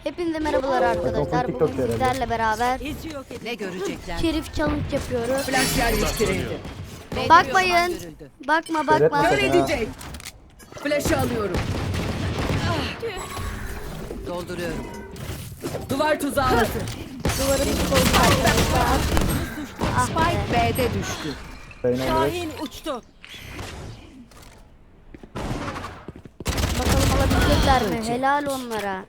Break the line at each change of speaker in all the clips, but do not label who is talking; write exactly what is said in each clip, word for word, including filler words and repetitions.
Hepinize merhabalar arkadaşlar.
TikTok
Bugün
herhalde.
sizlerle beraber
Ne görecekler?
Şerif challenge yapıyoruz.
Flash yerleştirildi.
Bakmayın. Bakma bakma.
Öğretmen
Kör
sana.
edecek. Flash'ı alıyorum. Dolduruyorum. Duvar tuzağı hazır.
Duvarın koydu arkadaşlar. Ah be.
Spike B'de düştü.
Reyna direkt.
uçtu.
Bakalım alabilecekler mi? Helal onlara.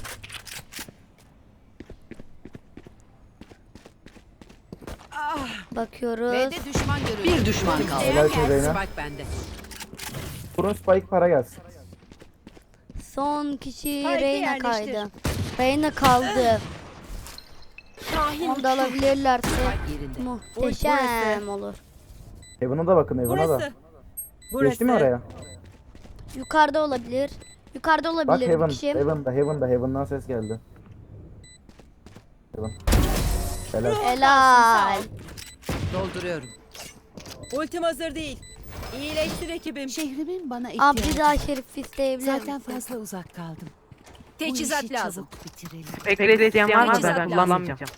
Bakıyoruz.
B'de düşman görüldü. Bir düşman kaldı.
Helal olsun Reyna.
Spike bende.
Kurun Spike para gelsin.
Son kişi Reyna kaydı. Reyna kaldı. Onu da alabilirlerse
Spike yerinde.
muhteşem olur.
Heaven'a da bakın Heaven'a da. Geçti mi oraya?
Yukarıda olabilir. Yukarıda
Bak
olabilir bir
Heaven.
kişi.
Heaven'da Heaven'da Heaven'dan ses geldi. Heaven. Helal.
Helal.
Dolduruyorum.
Ultim hazır değil. İyileştir ekibim.
Şehrimin bana
Abi
ihtiyacı
bir daha şerif isteyebilir
Zaten
misin?
fazla uzak kaldım.
Teçhizat
Bu işi
lazım.
çabuk bitirelim.
Bekleteceğim var mı?
Teçhizat
Ben
lazım.
kullanmayacağım.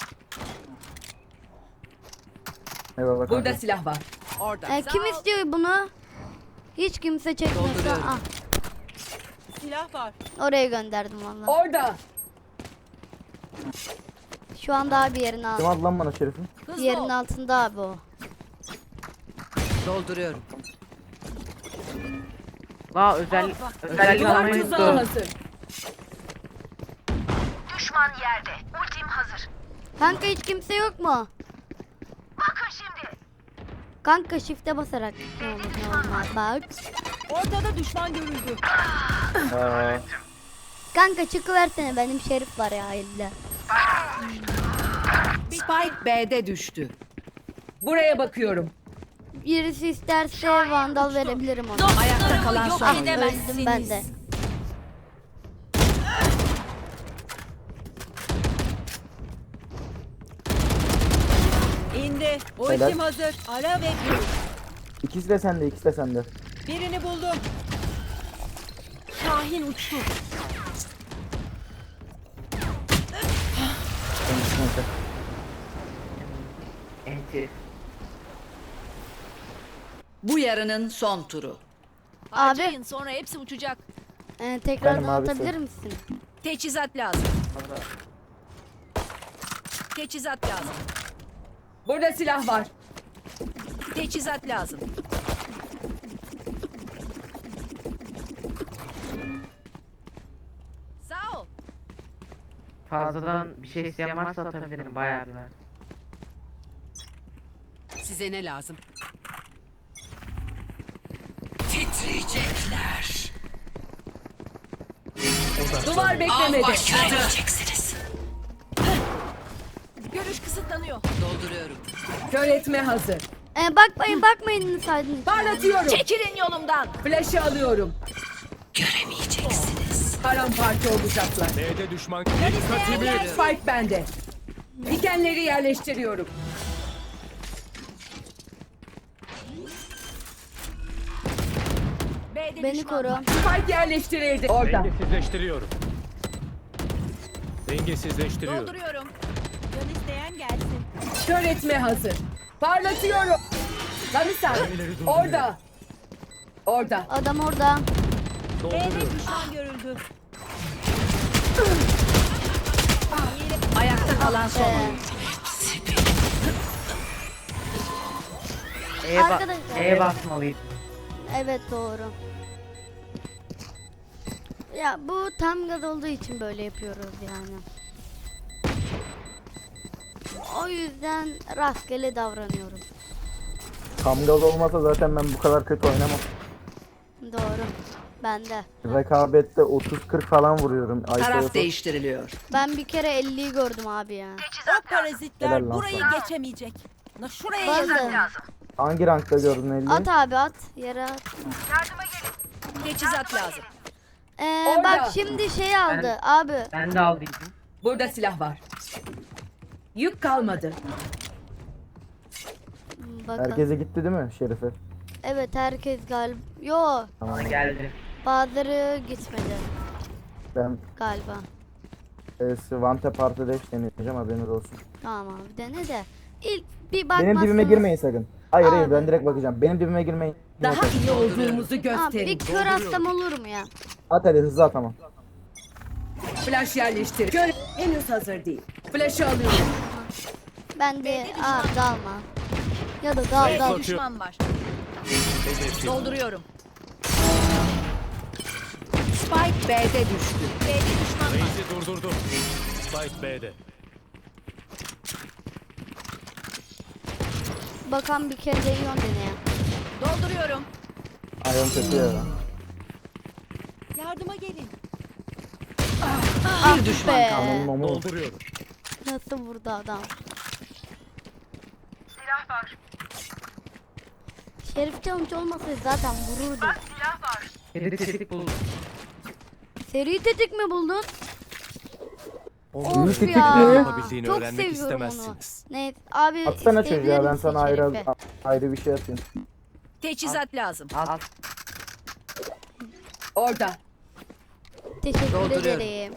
Eyvallah
Burada
kanka.
silah var. Orada.
E, kim istiyor bunu? Hiç kimse çekmiyorsa
Dolduruyorum.
ah,
Silah var.
oraya gönderdim valla.
Orada.
Şu anda abi yerin
Kim
altında.
aldı lan bana Şerif'i?
Yerin altında abi o.
Dolduruyorum.
La özel özellik
Duvar
almayı
tuzağı
unuttum.
hazır.
Düşman yerde. Ultim hazır.
Kanka hiç kimse yok mu?
Bakın şimdi.
Kanka shift'e basarak ne olur ne olmaz bak.
Ortada düşman görüldü.
Aa,
Kanka çıkıversene benim şerif var ya elde.
Spike B'de düştü. Buraya bakıyorum.
Birisi isterse vandal verebilirim ona.
Ayakta kalan son
Ah
oyuncu.
öldüm ben de.
İndi. Ultim
Helal.
hazır. Ara ve gir.
ikisi de sende, ikisi de sende.
Birini buldum. Şahin uçtu.
Neyse.
Enti.
Bu yarının son turu.
Abi
Sonra hepsi uçacak.
e, tekrardan
Benim abisi.
atabilir misin?
Teçhizat lazım. Teçhizat lazım. Burada silah var. Teçhizat lazım. Sağ ol.
Fazladan bir şey isteyen varsa atabilirim bayağı bir var.
Size ne lazım? Titriyecekler. Duvar beklemedi.
Görüş kısıtlanıyor.
Dolduruyorum. Kör etme hazır.
E, bakmayın bakmayın saydın.
Parlatıyorum.
Çekilin yolumdan.
Flash'ı alıyorum. Göremeyeceksiniz. Paramparça olacaklar.
B'de düşman dikkatimi.
Spike bende. Dikenleri yerleştiriyorum.
B'de
Beni
düşman.
koru.
Spike yerleştirildi. Orada.
Dengesizleştiriyorum. Dengesizleştiriyorum.
Dolduruyorum. Can isteyen gelsin.
Kör etme hazır. Parlatıyorum. Lamisan. Orada. Orada.
Adam orada.
B'de düşman görüldü.
Ayakta kalan son
Ee,
oyuncu.
E'ye ba
Arkadaşlar.
E'ye basmalıyım.
evet doğru. Ya bu tam gaz olduğu için böyle yapıyoruz yani. O yüzden rastgele davranıyorum.
Tam gaz olmasa zaten ben bu kadar kötü oynamam.
Doğru. Ben de.
Rekabette otuz kırk falan vuruyorum. Ayşe
Taraf
yapıp-
değiştiriliyor.
Ben bir kere elliyi gördüm abi ya.
O parazitler
Helal lan
burayı
sana.
geçemeyecek. Na şuraya
Bazı.
yazın.
Hangi rankta gördün elli?
At abi at. Yere at.
Teçhizat lazım.
Ee,
Orada.
bak şimdi şey aldı abi.
Ben de aldım.
Burada silah var. Yük kalmadı.
Bakın.
Herkese gitti değil mi Şerif'e?
Evet herkes galiba. Yo
Tamam.
Geldi.
bazıları gitmedi
Ben
galiba.
Ee, Vante Parti Dash deneyeceğim, haberiniz olsun.
Tamam abi dene de. İlk bir bakmazsanız.
Benim dibime girmeyin sakın. Hayır hayır
Abi.
ben direkt bakacağım. Benim dibime girmeyin.
Daha iyi olduğumuzu
Abi
gösterin.
bir kör hastam olur mu ya?
At hadi hızlı at ama.
Flash yerleştir. Gör henüz hazır değil. Flash'ı alıyorum.
Ben de abi dalma. Ya da dal
Zayıf
dal.
atıyor.
Düşman var.
Hedefi.
Dolduruyorum.
Spike B'de düştü.
B'de düşman var.
Reis'i durdurdu. Spike B'de.
Bakan bir kere de iyon deneye.
Dolduruyorum.
Ayağım kötü ya.
Yardıma gelin.
Ah be.
Ananın omu.
Dolduruyorum.
Nasıl vurdu adam?
Silah var.
Şerif Challenge olmasaydı zaten vururdu.
Silah var.
Kedi tetik buldum.
Seri tetik mi buldun?
İyi
Of
tetik
ya.
mi?
Yapabildiğini
Çok
öğrenmek
seviyorum onu.
istemezsiniz.
Evet abi
Atsana
isteyebilir
çocuğa, ben
misin
sana ayrı,
Şerif'i?
ayrı bir şey atayım.
Teçhizat lazım.
Al.
Orada.
Teşekkür
Dolduruyorum.
ederim.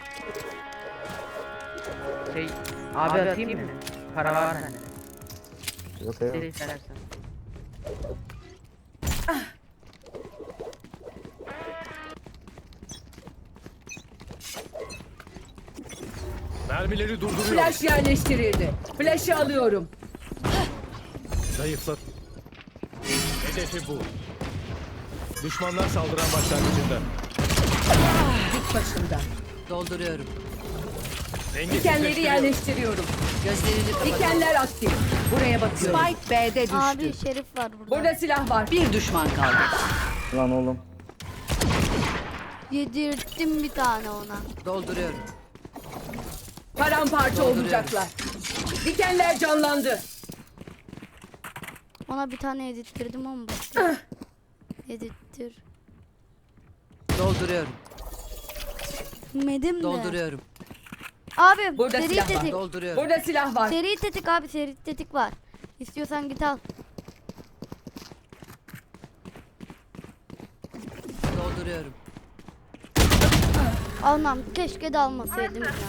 Şey abi atayım mı? Para var hani.
Yok yok.
Seri istersen.
Mermileri durduruyorum.
Flash yerleştirildi. Flash'ı alıyorum.
Zayıflat. Hedefi bu. Düşmanlar saldıran başlangıcında.
Dik başında.
Dolduruyorum.
Dikenleri
Dengesizleştiriyorum.
yerleştiriyorum.
Gözlerini kapat.
Dikenler aktif. Buraya bakıyorum.
Spike B'de düştü.
Abi Şerif var burada.
Burada silah var.
Bir düşman kaldı.
Lan oğlum.
Yedirttim bir tane ona.
Dolduruyorum.
Paramparça olacaklar. Dikenler canlandı.
Ona bir tane yedirttirdim ama bak. Yedirttir.
Dolduruyorum.
Medim de.
Dolduruyorum.
Abi
Burada
seri
silah var.
tetik.
Dolduruyorum.
Burada silah var.
Seri tetik abi seri tetik var. İstiyorsan git al.
Dolduruyorum.
Almam. Keşke de almasaydım ya.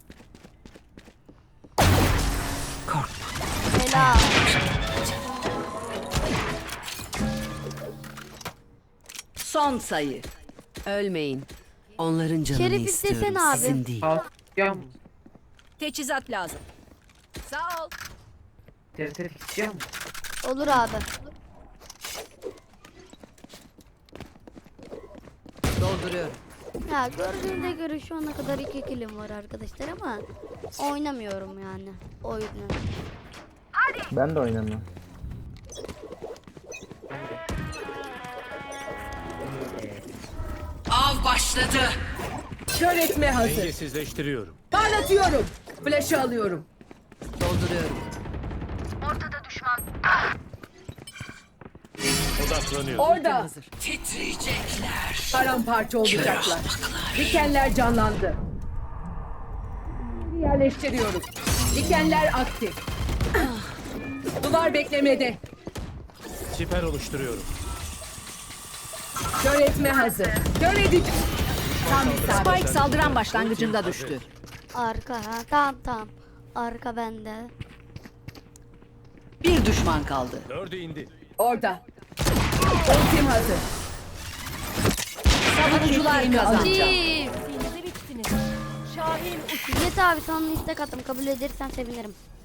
Korkma.
Helal.
Son sayı. Ölmeyin. Onların canını
Şerif
istiyorum.
istesene abi.
Sizin değil.
Al. Istiyor musun?
Teçhizat lazım. Sağ ol.
Seri tetik istiyor musun?
Olur abi.
Dolduruyorum.
Ya gördüğünüze göre şu ana kadar iki kilim var arkadaşlar ama oynamıyorum yani oyunu.
Ben de oynamıyorum.
Av başladı.
Kör etme hazır.
Dengesizleştiriyorum.
Parlatıyorum. Flash'ı alıyorum.
Dolduruyorum.
Ortada düşman.
Odaklanıyorum.
Orada.
Hazır. Titriyecekler.
Paramparça olacaklar. Dikenler canlandı. Yerleştiriyorum. Dikenler aktif. Duvar beklemede.
Siper oluşturuyorum.
Kör etme hazır. Kör edici. Tam isabet.
Spike saldıran başlangıcında düştü.
Arka ha tamam tamam. Arka bende.
Bir düşman kaldı.
Dördü indi.
Orada. Ultim hazır.
Savunucular kazandı.
Çift. İzzet abi sana istek attım kabul edersen sevinirim.